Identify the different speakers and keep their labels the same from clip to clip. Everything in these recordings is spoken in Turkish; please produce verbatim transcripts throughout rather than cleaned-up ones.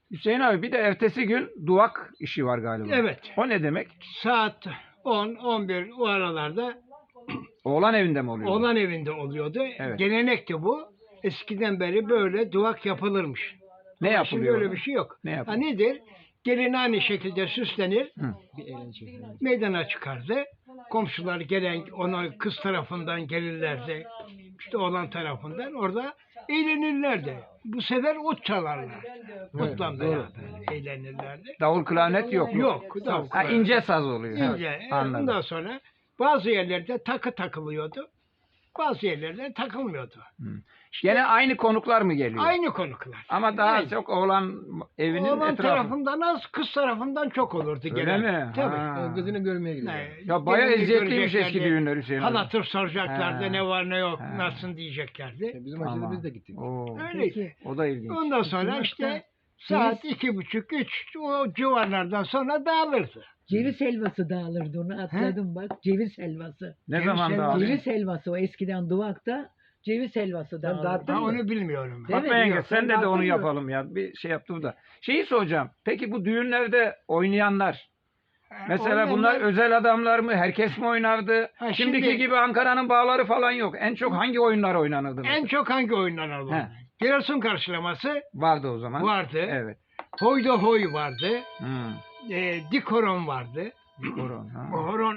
Speaker 1: Hüseyin abi bir de ertesi gün duvak işi var galiba.
Speaker 2: Evet.
Speaker 1: O ne demek?
Speaker 2: Saat on on bir o aralarda
Speaker 1: Oğlan evinde mi oluyor? bu?
Speaker 2: oğlan evinde oluyordu.
Speaker 1: Evet.
Speaker 2: Gelenekti bu. Eskiden beri böyle duvak yapılırmış.
Speaker 1: Ne
Speaker 2: Ama
Speaker 1: yapılıyor?
Speaker 2: Şimdi öyle
Speaker 1: orada?
Speaker 2: bir şey yok.
Speaker 1: Ne
Speaker 2: Ha,
Speaker 1: yapılıyor?
Speaker 2: nedir? Gelin aynı şekilde süslenir.
Speaker 1: Hı.
Speaker 2: Meydana çıkardı. Komşular gelen ona kız tarafından gelirlerdi. İşte oğlan tarafından orada eğlenirlerdi. Bu sefer ot çalarlar. Otla beraber eğlenirlerdi.
Speaker 1: Davul klarnet yok.
Speaker 2: Yok. davul
Speaker 1: Ha,
Speaker 2: klarnet.
Speaker 1: ince saz oluyor. Ha,
Speaker 2: İnce. E,
Speaker 1: Anladım.
Speaker 2: Ondan sonra bazı yerlerde takı takılıyordu. Bazı yerlerde takılmıyordu.
Speaker 1: Gene aynı konuklar mı geliyor?
Speaker 2: Aynı konuklar.
Speaker 1: Ama daha
Speaker 2: Aynı.
Speaker 1: çok oğlan evinin
Speaker 2: Oğlan
Speaker 1: etrafı.
Speaker 2: tarafından az, kız tarafından çok olurdu
Speaker 1: Öyle
Speaker 2: gelen.
Speaker 1: mi?
Speaker 2: Tabii.
Speaker 1: Ha.
Speaker 3: Kızını görmeye gidiyor.
Speaker 2: Ne,
Speaker 1: Ya bayağı
Speaker 2: gelini
Speaker 1: eziyetliymiş eski
Speaker 2: göreceklerdi.
Speaker 1: düğünler Hüseyin abi.
Speaker 2: Hal hatır soracaklardı,
Speaker 1: Ha.
Speaker 2: ne var ne yok,
Speaker 1: Ha.
Speaker 2: nasılsın diyeceklerdi.
Speaker 3: E, Bizim
Speaker 1: Tamam.
Speaker 3: aşağıda biz de gittik.
Speaker 1: Oo,
Speaker 2: Öyle.
Speaker 1: o da ilginç.
Speaker 2: Ondan sonra işte saat iki buçuk, üç o civarlardan sonra dağılırdı.
Speaker 4: Ceviz helvası dağılırdı, onu atladım bak. Ceviz helvası.
Speaker 1: Ne
Speaker 2: Ceviz
Speaker 1: zaman
Speaker 2: helvası.
Speaker 1: dağılıyor?
Speaker 4: Ceviz helvası o eskiden duvakta ceviz helvası dağılırdı.
Speaker 3: dağıttın
Speaker 2: Ha,
Speaker 3: mı?
Speaker 2: onu bilmiyorum.
Speaker 4: Değil
Speaker 1: Fatma
Speaker 4: mi?
Speaker 1: yenge
Speaker 4: Yok,
Speaker 1: sen
Speaker 4: sen
Speaker 1: de de onu
Speaker 4: dağıttın mı?
Speaker 1: yapalım ya. Bir şey yaptım da. Şeyi soracağım. Peki bu düğünlerde oynayanlar mesela
Speaker 2: Oynayanlar-
Speaker 1: bunlar özel adamlar mı? Herkes mi oynardı?
Speaker 2: Ha,
Speaker 1: Şimdiki
Speaker 2: şimdi-
Speaker 1: gibi Ankara'nın bağları falan yok. En çok hangi oyunlar oynanırdı?
Speaker 2: En çok hangi oyunlar
Speaker 1: He.
Speaker 2: alındı? Giresun karşılaması
Speaker 1: Vardı o zaman.
Speaker 2: vardı.
Speaker 1: Evet.
Speaker 2: Hoyda hoy vardı.
Speaker 1: Hmm.
Speaker 2: E, dik horon vardı.
Speaker 1: Horon, ha.
Speaker 2: O horon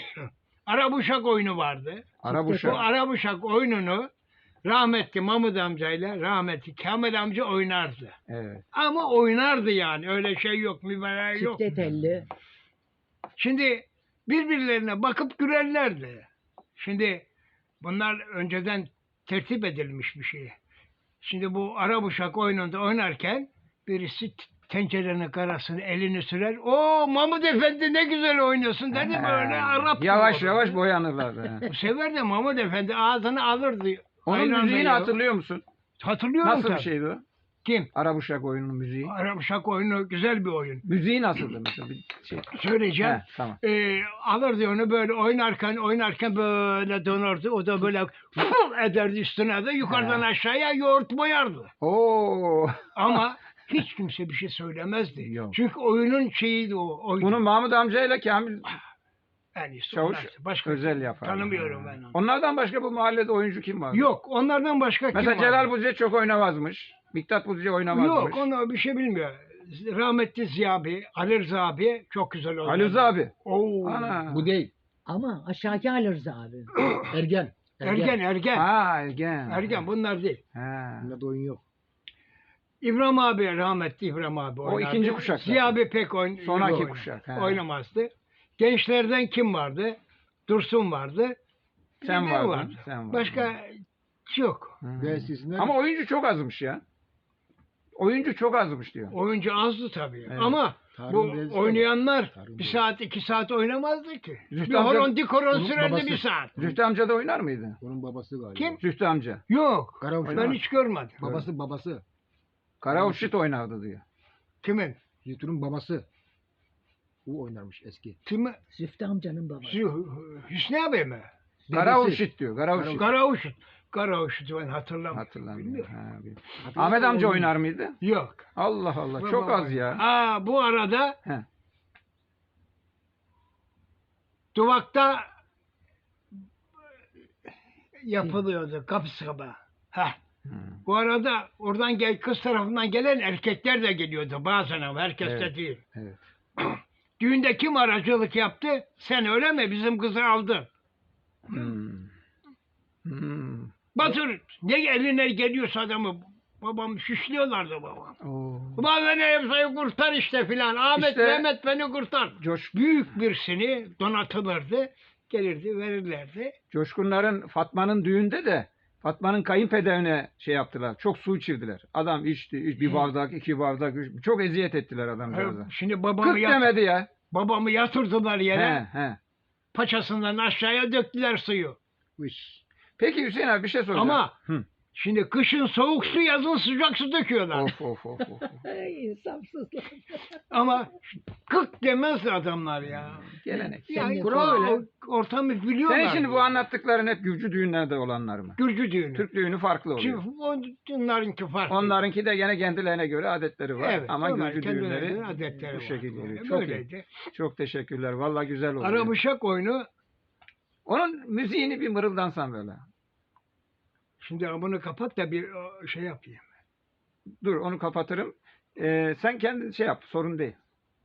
Speaker 2: Arabuşak oyunu vardı.
Speaker 1: Arabuşak.
Speaker 2: Bu Arabuşak oyununu rahmetli Mahmut amcayla rahmetli Kamil amca oynardı.
Speaker 1: Evet.
Speaker 2: Ama oynardı yani. Öyle şey yok, mübarek yok.
Speaker 4: Çifte telli.
Speaker 2: Şimdi birbirlerine bakıp gülerlerdi. Şimdi bunlar önceden tertip edilmiş bir şey. Şimdi bu Arabuşak oyununda oynarken birisi t- tencerenin karasını elini sürer. O Mahmut Efendi ne güzel oynuyorsun dedi böyle
Speaker 1: Ha.
Speaker 2: Arap. gibi
Speaker 1: Yavaş
Speaker 2: oldu.
Speaker 1: yavaş boyanırlardı. ha.
Speaker 2: Bu sefer de Mahmut Efendi ağzını alırdı.
Speaker 1: Onun
Speaker 2: Ayranla
Speaker 1: müziğini
Speaker 2: ya.
Speaker 1: hatırlıyor musun?
Speaker 2: Hatırlıyorum
Speaker 1: Nasıl bir
Speaker 2: tabii.
Speaker 1: şeydi o?
Speaker 2: Kim?
Speaker 1: Arabuşak oyununun müziği.
Speaker 2: Arabuşak oyunu güzel bir oyun.
Speaker 1: Müziği nasıldı mesela? Bir şey.
Speaker 2: Söyleyeceğim.
Speaker 1: He, tamam.
Speaker 2: Ee, alırdı onu böyle oynarken oynarken böyle dönerdi. O da böyle fıl ederdi üstüne de yukarıdan
Speaker 1: He.
Speaker 2: aşağıya yoğurt boyardı.
Speaker 1: Oo.
Speaker 2: Ama hiç kimse bir şey söylemezdi.
Speaker 1: Yok.
Speaker 2: Çünkü oyunun şeyiydi o. Oydu.
Speaker 1: Bunu Mahmut amcayla Kamil
Speaker 2: en iyisi
Speaker 1: Çavuş
Speaker 2: onlar. Başka
Speaker 1: özel yapar.
Speaker 2: tanımıyorum ben onu.
Speaker 1: Onlardan başka bu mahallede oyuncu kim var?
Speaker 2: Yok onlardan başka kim
Speaker 1: Mesela
Speaker 2: var?
Speaker 1: Celal Buziye çok oynamazmış. Miktat Buziye oynamazmış.
Speaker 2: Yok onu bir şey bilmiyor. Rahmetli Ziya abi, Ali Rıza abi çok güzel oynadı.
Speaker 1: Ali Rıza abi.
Speaker 2: Oo.
Speaker 1: Ana.
Speaker 3: Bu değil.
Speaker 4: Ama aşağıki Ali Rıza abi.
Speaker 3: Ergen.
Speaker 2: Ergen, ergen.
Speaker 1: Ha Ergen.
Speaker 2: Ergen bunlar değil.
Speaker 1: Ha.
Speaker 3: Bunda da oyun yok.
Speaker 2: İbrahim abi, rahmetli İbrahim abi
Speaker 1: O
Speaker 2: oynardı.
Speaker 1: ikinci kuşak
Speaker 2: Ziya
Speaker 1: zaten.
Speaker 2: abi pek oyn
Speaker 1: Sonraki
Speaker 2: oyna-
Speaker 1: kuşak, he.
Speaker 2: Oynamazdı. Gençlerden kim vardı? Dursun vardı. Bir
Speaker 1: Sen
Speaker 2: de ben
Speaker 1: vardın,
Speaker 2: vardı.
Speaker 1: sen vardın.
Speaker 2: Başka yok.
Speaker 1: Hmm.
Speaker 3: Ve eskisinden
Speaker 1: Ama oyuncu çok azmış ya. Oyuncu çok azmış diyor.
Speaker 2: Oyuncu azdı tabii.
Speaker 1: Evet.
Speaker 2: Ama
Speaker 3: Tarım
Speaker 2: bu
Speaker 3: Beyazıt
Speaker 2: oynayanlar
Speaker 3: Tarım
Speaker 2: bir
Speaker 3: Beyazıt.
Speaker 2: saat iki saat oynamazdı ki.
Speaker 1: Zühtü
Speaker 2: Bir
Speaker 1: amca-
Speaker 2: horon dik horon
Speaker 3: Onun
Speaker 2: sürerdi
Speaker 3: babası.
Speaker 2: bir saat.
Speaker 1: Zühtü amca da oynar mıydı?
Speaker 3: onun babası galiba.
Speaker 2: Kim?
Speaker 1: Zühtü amca.
Speaker 2: Yok.
Speaker 3: Karavuş.
Speaker 2: Ben hiç görmedim.
Speaker 3: Babası babası.
Speaker 1: Karauşit oynardı diyor.
Speaker 2: Kimin?
Speaker 3: Zühtü'nün babası. O oynarmış eski.
Speaker 2: Kimi?
Speaker 4: Züftü amcanın babası.
Speaker 2: Hü- Hüsnü abi mi?
Speaker 1: Karauşit diyor. Karauşit.
Speaker 2: Karauşut. Karauşut'u ben hatırlamıyorum.
Speaker 1: Hatırlamıyorum.
Speaker 2: Bilmiyorum.
Speaker 1: Ha, bilmiyorum. Ahmet amca oynar mıydı?
Speaker 2: Yok.
Speaker 1: Allah Allah.
Speaker 2: Baba
Speaker 1: Çok az
Speaker 2: baba.
Speaker 1: ya.
Speaker 2: Aa, bu arada
Speaker 1: He.
Speaker 2: Duvak'ta yapılıyordu kapı sabah. Heh.
Speaker 1: Hmm.
Speaker 2: Bu arada oradan gel kız tarafından gelen erkekler de geliyordu bazen ama herkes de
Speaker 1: Evet.
Speaker 2: değil.
Speaker 1: Evet.
Speaker 2: Düğünde kim aracılık yaptı? Sen öyle mi? Bizim kızı aldın.
Speaker 1: Hmm. Hmm.
Speaker 2: Batır ne eline geliyorsa adamı babam şişliyorlardı babam.
Speaker 1: Oo.
Speaker 2: Ulan beni hepsini kurtar işte filan. Ahmet
Speaker 1: İşte-
Speaker 2: Mehmet beni kurtar.
Speaker 1: Coş,
Speaker 2: Büyük birisini donatılırdı. Gelirdi verirlerdi.
Speaker 1: Coşkunların Fatma'nın düğünde de Fatma'nın kayınpederine şey yaptılar. Çok su içirdiler. Adam içti. iç- Bir bardak, iki bardak. Üç, çok eziyet ettiler adamcağıza.
Speaker 2: Şimdi babamı,
Speaker 1: Kırk
Speaker 2: yat-
Speaker 1: demedi ya.
Speaker 2: babamı yatırdılar yere.
Speaker 1: He, he.
Speaker 2: Paçasından aşağıya döktüler suyu.
Speaker 3: Bu iş.
Speaker 1: Peki Hüseyin abi bir şey soracağım.
Speaker 2: Ama
Speaker 1: Hı.
Speaker 2: Şimdi kışın soğuk su, yazın sıcak su döküyorlar.
Speaker 1: Of of of. of.
Speaker 4: Ay, insafsızlar.
Speaker 2: Ama kık demez adamlar ya.
Speaker 1: Gelenek.
Speaker 2: Ya
Speaker 4: Sen de
Speaker 2: kural
Speaker 4: söyle.
Speaker 2: öyle. Ortamı biliyorlar.
Speaker 1: Senin şimdi bu anlattıkların hep Gürcü düğünlerde olanlar mı?
Speaker 2: Gürcü düğünü.
Speaker 1: Türk düğünü farklı oluyor.
Speaker 2: Şimdi onlarınki farklı.
Speaker 1: Onlarınki de gene kendilerine göre adetleri var.
Speaker 2: Evet,
Speaker 1: Ama
Speaker 2: onlar
Speaker 1: Gürcü
Speaker 2: kendilerine
Speaker 1: düğünleri
Speaker 2: göre adetleri
Speaker 1: bu
Speaker 2: var.
Speaker 1: şekilde oluyor.
Speaker 2: Yani
Speaker 1: Çok iyi.
Speaker 2: böyleydi.
Speaker 1: Çok teşekkürler. Vallahi güzel oluyor.
Speaker 2: Arabuşak oyunu,
Speaker 1: Onun müziğini bir mırıldansan böyle.
Speaker 2: şimdi bunu kapat da bir o, şey yapayım.
Speaker 1: Dur onu kapatırım. Ee, sen kendin şey yap. Sorun değil.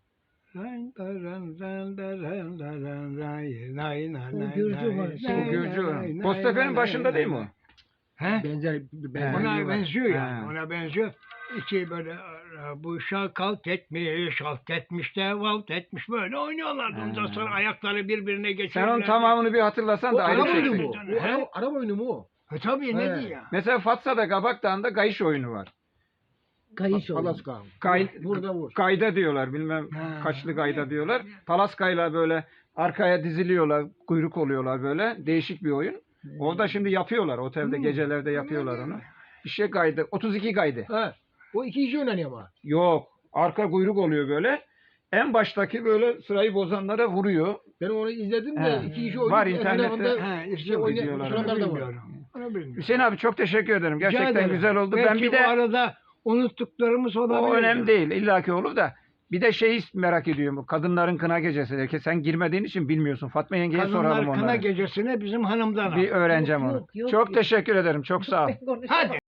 Speaker 4: O Gürcü var.
Speaker 1: Bu Gürcü. Postefe'nin başında değil mi o?
Speaker 2: He?
Speaker 3: Benzer, benzer.
Speaker 2: Ona
Speaker 1: var.
Speaker 2: benziyor yani.
Speaker 1: Ha.
Speaker 2: Ona benziyor. İki böyle bu şak kalk etmiş, halt etmiş de valt etmiş böyle oynuyorlardı. Ondan
Speaker 1: Ha.
Speaker 2: sonra ayakları birbirine
Speaker 1: Sen
Speaker 2: geçiyorlar.
Speaker 1: onun tamamını bir hatırlasan
Speaker 3: O
Speaker 1: da ayrı
Speaker 3: araba
Speaker 1: bir şey.
Speaker 3: oyunu mu?
Speaker 2: söyleyeyim.
Speaker 3: O
Speaker 2: He?
Speaker 3: araba, araba oyunu mu o?
Speaker 2: E tabii ne
Speaker 3: He.
Speaker 2: diyor ya.
Speaker 1: Mesela Fatsa'da Gabakdağ'ında gayış oyunu var.
Speaker 4: Kayış oyunu.
Speaker 3: Palaska.
Speaker 1: Kay,
Speaker 3: Burada vur.
Speaker 1: Kayda diyorlar bilmem
Speaker 2: Ha.
Speaker 1: kaçlı kayda diyorlar. Palaskayla böyle arkaya diziliyorlar, kuyruk oluyorlar böyle. Değişik bir oyun. Orada şimdi yapıyorlar. Otelde
Speaker 2: Hmm.
Speaker 1: gecelerde yapıyorlar onu. Bir şey kaydı. otuz iki kaydı.
Speaker 3: Ha. O iki kişi oynanıyor ama.
Speaker 1: Yok. Arka kuyruk oluyor böyle. En baştaki böyle sırayı bozanlara vuruyor.
Speaker 3: Ben onu izledim de
Speaker 1: He.
Speaker 3: iki kişi oynuyor.
Speaker 1: Var internette.
Speaker 3: Etrafında
Speaker 2: Ha,
Speaker 3: şey
Speaker 2: işte
Speaker 3: oynayan
Speaker 1: videolar var.
Speaker 3: oturanlar da var.
Speaker 2: bilmiyorum. Onu bilmiyorum.
Speaker 1: Hüseyin abi çok teşekkür ederim.
Speaker 2: Rica
Speaker 1: Gerçekten
Speaker 2: ederim.
Speaker 1: güzel oldu.
Speaker 2: Belki
Speaker 1: Ben bir
Speaker 2: bu
Speaker 1: de
Speaker 2: arada unuttuklarımız olabilir.
Speaker 1: o önemli değil. İlla ki olur da bir de şeyi merak ediyorum. Bu kadınların kına gecesi. Ki sen girmediğin için bilmiyorsun. Fatma yengeye soralım
Speaker 2: Kadınlar
Speaker 1: onları.
Speaker 2: kına gecesine bizim hanımdan al.
Speaker 1: Bir öğreneceğim
Speaker 4: Yok,
Speaker 1: onu.
Speaker 4: yok, yok,
Speaker 1: Çok
Speaker 4: yok.
Speaker 1: teşekkür ederim. Çok sağ ol.
Speaker 4: Ben konuşamam.
Speaker 2: Hadi.